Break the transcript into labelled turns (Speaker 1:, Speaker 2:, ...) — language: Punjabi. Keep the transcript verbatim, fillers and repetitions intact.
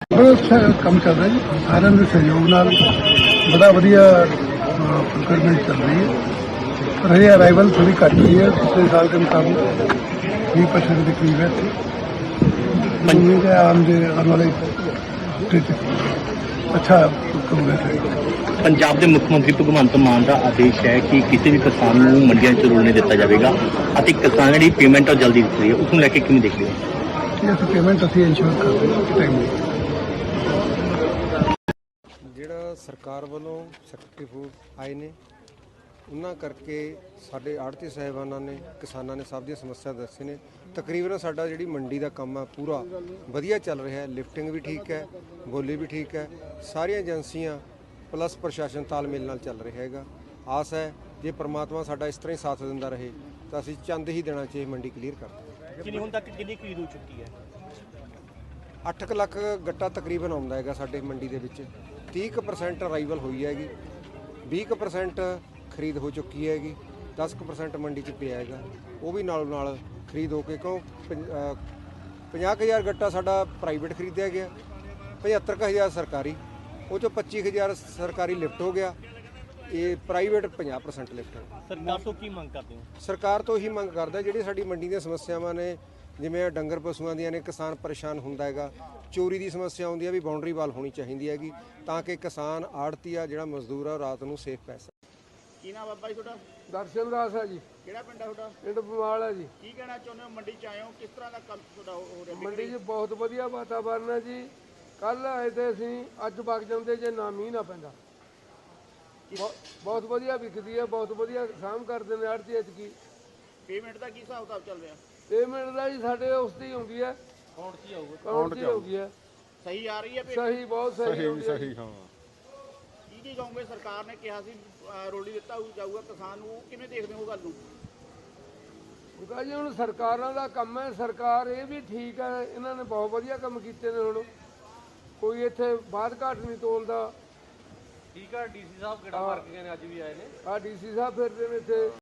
Speaker 1: बहुत अच्छा काम चल रहा है जी, सारे के सहयोग नाल बड़ा वधिया प्रोक्योरमेंट चल रही है। पर हजे अराइवल थोड़ी घट हुई है पिछले साल के मुताबिक बीस परसेंट के करीब है। उम्मीद है आम दे आने वाले हफ्ते अच्छा प्रोग्रेस है।
Speaker 2: ਪੰਜਾਬ ਦੇ ਮੁੱਖ ਮੰਤਰੀ ਭਗਵੰਤ ਮਾਨ ਦਾ ਆਦੇਸ਼ ਹੈ ਕਿ ਕਿਸੇ ਵੀ ਕਿਸਾਨ ਨੂੰ ਮੰਡੀਆਂ 'ਚ ਰੁਲਣੇ ਦਿੱਤਾ ਜਾਵੇਗਾ ਅਤੇ ਕਿਸਾਨ ਜਿਹੜੀ ਪੇਮੈਂਟ ਉਹ ਜਲਦੀ ਦਿੱਤੀ ਹੈ, ਉਸ ਨੂੰ ਲੈ ਕੇ ਕਿਵੇਂ ਦੇਖਦੇ ਹੋ?
Speaker 1: ਇਹ ਅਸੀਂ ਪੇਮੈਂਟ ਅਸੀਂ ਇੰਸ਼ੋਰ ਕਰ ਰਹੇ ਹਾਂ ਟਾਈਮ
Speaker 3: ਜਿਹੜਾ ਸਰਕਾਰ ਵੱਲੋਂ ਸੈਕਟਰੀ ਫੂਡ ਆਏ ਨੇ ਉਹਨਾਂ ਕਰਕੇ ਸਾਡੇ ਆੜ੍ਹਤੀ ਸਾਹਿਬਾਨਾਂ ਨੇ ਕਿਸਾਨਾਂ ਨੇ ਸਭ ਦੀਆਂ ਸਮੱਸਿਆ ਦੱਸੇ ਨੇ। ਤਕਰੀਬਨ ਸਾਡਾ ਜਿਹੜੀ ਮੰਡੀ ਦਾ ਕੰਮ ਆ ਪੂਰਾ ਵਧੀਆ ਚੱਲ ਰਿਹਾ ਹੈ। ਲਿਫਟਿੰਗ ਵੀ ਠੀਕ ਹੈ, ਬੋਲੀ ਵੀ ਠੀਕ ਹੈ, ਸਾਰੀਆਂ ਏਜੰਸੀਆਂ ਪਲੱਸ ਪ੍ਰਸ਼ਾਸਨ ਤਾਲਮੇਲ ਨਾਲ ਚੱਲ ਰਿਹਾ ਹੈਗਾ। ਆਸ ਹੈ ਜੇ ਪ੍ਰਮਾਤਮਾ ਸਾਡਾ ਇਸ ਤਰ੍ਹਾਂ ਹੀ ਸਾਥ ਦਿੰਦਾ ਰਹੇ ਤਾਂ ਅਸੀਂ ਚੰਦ ਹੀ ਦਿਨਾਂ 'ਚ ਇਹ ਮੰਡੀ ਕਲੀਅਰ ਕਰ ਦਾਂਗੇ।
Speaker 2: ਕਿੰਨੀ ਹੁਣ ਤੱਕ ਕਿੰਨੀ ਖਰੀਦ ਹੋ ਚੁੱਕੀ ਹੈ?
Speaker 3: ਅੱਠ ਕੁ ਲੱਖ ਗੱਟਾ ਤਕਰੀਬਨ ਆਉਂਦਾ ਹੈਗਾ ਸਾਡੇ ਮੰਡੀ ਦੇ ਵਿੱਚ। ਤੀਹ ਕੁ ਪਰਸੈਂਟ ਅਰਾਈਵਲ ਹੋਈ ਹੈਗੀ, ਵੀਹ ਕੁ ਪਰਸੈਂਟ ਖਰੀਦ ਹੋ ਚੁੱਕੀ ਹੈਗੀ, ਦਸ ਕੁ ਪਰਸੈਂਟ ਮੰਡੀ 'ਚ ਪਿਆ ਹੈਗਾ। ਉਹ ਵੀ ਨਾਲੋਂ ਨਾਲ ਖਰੀਦ ਹੋ ਕੇ ਕਿਉਂ ਪੰਜਾਹ ਕੁ ਹਜ਼ਾਰ ਗੱਟਾ ਸਾਡਾ ਪ੍ਰਾਈਵੇਟ ਖਰੀਦਿਆ ਗਿਆ, ਪਝੱਤਰ ਕੁ ਹਜ਼ਾਰ ਸਰਕਾਰੀ, ਉਹ 'ਚੋਂ ਪੱਚੀ ਕੁ ਹਜ਼ਾਰ ਸਰਕਾਰੀ ਲਿਫਟ ਹੋ ਗਿਆ, ਇਹ ਪ੍ਰਾਈਵੇਟ ਪੰਜਾਹ ਪਰਸੈਂਟ ਲਿਫਟ ਹੋ ਗਿਆ।
Speaker 2: ਸਰਕਾਰ ਤੋਂ ਕੀ ਮੰਗ ਕਰਦੇ ਹੋ?
Speaker 3: ਸਰਕਾਰ ਤੋਂ ਹੀ ਮੰਗ ਕਰਦਾ ਜਿਹੜੀ ਸਾਡੀ ਮੰਡੀ ਦੀਆਂ ਸਮੱਸਿਆਵਾਂ ਨੇ, ਜਿਵੇਂ ਡੰਗਰ ਪਸ਼ੂਆਂ ਦੀਆਂ ਨੇ, ਕਿਸਾਨ ਪਰੇਸ਼ਾਨ ਹੁੰਦਾ ਹੈਗਾ, ਚੋਰੀ ਦੀ ਸਮੱਸਿਆ ਆਉਂਦੀ ਹੈ, ਵੀ ਬਾਉਂਡਰੀ ਵਾਲ ਹੋਣੀ ਚਾਹੀਦੀ ਹੈਗੀ ਤਾਂ ਕਿ ਕਿਸਾਨ ਆੜ੍ਹਤੀ ਆ ਜਿਹੜਾ ਮਜ਼ਦੂਰ ਆ ਰਾਤ ਨੂੰ ਸੇਫ ਪੈ ਸਕੇ।
Speaker 4: ਕੀ ਨਾਮ ਬਾਬਾ ਜੀ ਤੁਹਾਡਾ?
Speaker 1: ਦਰਸ਼ਨ ਦਾਸ ਹੈ ਜੀ,
Speaker 4: ਕਿਹੜਾ ਪਿੰਡ ਹੈ ਤੁਹਾਡਾ?
Speaker 1: ਪਿੰਡ ਬਮਾਲ ਹੈ ਜੀ।
Speaker 4: ਕੀ ਕਹਿਣਾ ਚਾਹੁੰਦੇ ਹੋ? ਮੰਡੀ 'ਚ ਆਏ ਹੋ, ਕਿਸ ਤਰ੍ਹਾਂ ਦਾ ਕੰਮ ਤੁਹਾਡਾ ਹੋ ਰਿਹਾ?
Speaker 1: ਮੰਡੀ 'ਚ ਬਹੁਤ ਵਧੀਆ ਵਾਤਾਵਰਨ ਹੈ ਜੀ। ਕੱਲ ਆਏ ਤੇ ਅਸੀਂ ਅੱਜ ਵਗ ਜਾਂਦੇ ਜੇ ਨਾ ਮੀਂਹ ਨਾ ਪੈਂਦਾ। ਬਹੁ- ਬਹੁਤ ਵਧੀਆ ਵਿਕਦੀ ਹੈ, ਬਹੁਤ ਵਧੀਆ ਸਾਂਭ ਕਰਦੇ ਨੇ ਆੜ੍ਹਤੀ ਐਤਕੀ।
Speaker 4: ਪੇਮੈਂਟ ਦਾ ਕੀ ਹਿਸਾਬ ਕਿਤਾਬ ਚੱਲ ਰਿਹਾ?
Speaker 1: ਪੇਮੈਂਟ ਦਾ ਜੀ ਸਾਡੇ ਉਸ ਦੀ ਹੁੰਦੀ ਹੈ,
Speaker 4: ਅਕਾਊਂਟ 'ਚ ਹੀ ਆਊਗਾ?
Speaker 1: ਅਕਾਊਂਟ 'ਚ ਹੋਗੀ ਹੈ।
Speaker 4: ਸਹੀ ਆ ਰਹੀ ਹੈ payment?
Speaker 1: ਸਹੀ, ਬਹੁਤ ਸਹੀ ਹੁੰਦੀ ਹੈ ਜੀ।
Speaker 4: ਕੀ ਕੀ ਕਹੋਗੇ? ਸਰਕਾਰ ਨੇ ਕਿਹਾ ਸੀ ਅਹ, ਰੋਲੀ ਦਿੱਤਾ ਹੋਊ ਜਾਊਗਾ ਕਿਸਾਨ ਨੂੰ, ਕਿਵੇਂ ਦੇਖਦੇ ਹੋ ਗੱਲ ਨੂੰ?
Speaker 1: ਉਹਦਾ ਜੀ ਹੁਣ ਸਰਕਾਰਾਂ ਦਾ ਕੰਮ ਹੈ, ਸਰਕਾਰ ਇਹ ਵੀ ਠੀਕ ਹੈ, ਇਹਨਾਂ ਨੇ ਬਹੁਤ ਵਧੀਆ ਕੰਮ ਕੀਤੇ ਨੇ। ਹੁਣ ਕੋਈ ਇੱਥੇ ਬਾਦ ਘਾਟ ਨਹੀਂ ਤੋਲਦਾ।
Speaker 5: ਠੀਕ ਆ, ਡੀਸੀ ਸਾਹਿਬ ਕਿਹੜਾ ਮਾਰ ਕੇ ਗਏ ਨੇ, ਅੱਜ ਵੀ ਆਏ ਨੇ।
Speaker 1: ਆ ਡੀਸੀ ਸਾਹਿਬ ਫਿਰਦੇ ਨੇ ਇੱਥੇ।